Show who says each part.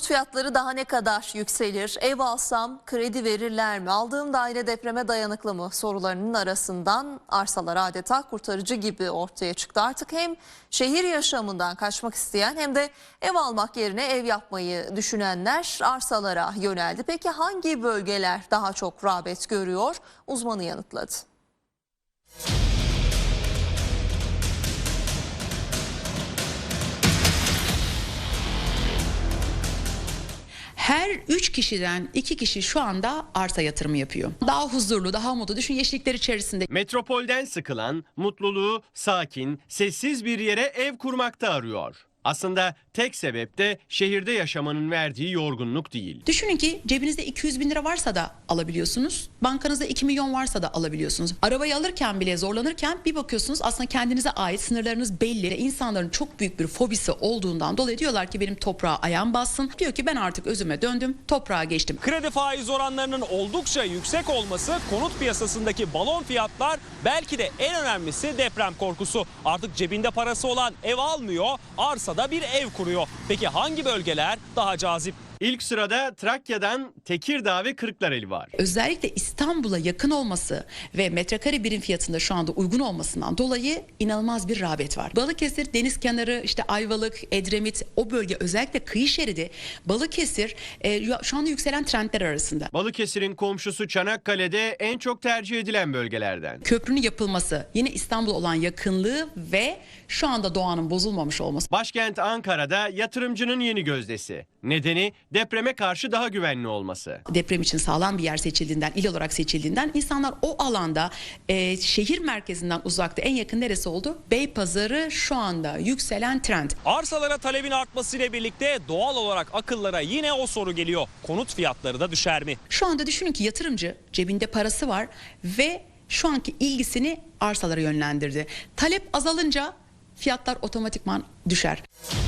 Speaker 1: Konut fiyatları daha ne kadar yükselir? Ev alsam kredi verirler mi? Aldığım daire depreme dayanıklı mı? Sorularının arasından arsalar adeta kurtarıcı gibi ortaya çıktı. Artık hem şehir yaşamından kaçmak isteyen hem de ev almak yerine ev yapmayı düşünenler arsalara yöneldi. Peki hangi bölgeler daha çok rağbet görüyor? Uzmanı yanıtladı.
Speaker 2: Her 3 kişiden 2 kişi şu anda arsa yatırımı yapıyor. Daha huzurlu, daha mutlu. Düşün, yeşillikler içerisinde.
Speaker 3: Metropolden sıkılan, mutluluğu sakin, sessiz bir yere ev kurmakta arıyor. Aslında tek sebep de şehirde yaşamanın verdiği yorgunluk değil.
Speaker 2: Düşünün ki cebinizde 200 bin lira varsa da alabiliyorsunuz. Bankanızda 2 milyon varsa da alabiliyorsunuz. Arabayı alırken bile zorlanırken bir bakıyorsunuz aslında kendinize ait sınırlarınız belli. İnsanların çok büyük bir fobisi olduğundan dolayı diyorlar ki benim toprağa ayağım bassın. Diyor ki ben artık özüme döndüm, toprağa geçtim.
Speaker 4: Kredi faiz oranlarının oldukça yüksek olması, konut piyasasındaki balon fiyatlar, belki de en önemlisi deprem korkusu. Artık cebinde parası olan ev almıyor, arsada bir ev kuruyor. Peki hangi bölgeler daha cazip?
Speaker 3: İlk sırada Trakya'dan Tekirdağ ve Kırklareli var.
Speaker 2: Özellikle İstanbul'a yakın olması ve metrekare birim fiyatında şu anda uygun olmasından dolayı inanılmaz bir rağbet var. Balıkesir, deniz kenarı, işte Ayvalık, Edremit, o bölge, özellikle kıyı şeridi, Balıkesir şu anda yükselen trendler arasında.
Speaker 3: Balıkesir'in komşusu Çanakkale'de en çok tercih edilen bölgelerden.
Speaker 2: Köprünün yapılması, yine İstanbul'a olan yakınlığı ve şu anda doğanın bozulmamış olması.
Speaker 3: Başkent Ankara'da yatırımcının yeni gözdesi. Nedeni depreme karşı daha güvenli olması.
Speaker 2: Deprem için sağlam bir yer seçildiğinden, il olarak seçildiğinden insanlar o alanda şehir merkezinden uzakta en yakın neresi oldu? Beypazarı şu anda yükselen trend.
Speaker 4: Arsalara talebin artmasıyla birlikte doğal olarak akıllara yine o soru geliyor. Konut fiyatları da düşer mi?
Speaker 2: Şu anda düşünün ki yatırımcı cebinde parası var ve şu anki ilgisini arsalara yönlendirdi. Talep azalınca fiyatlar otomatikman düşer.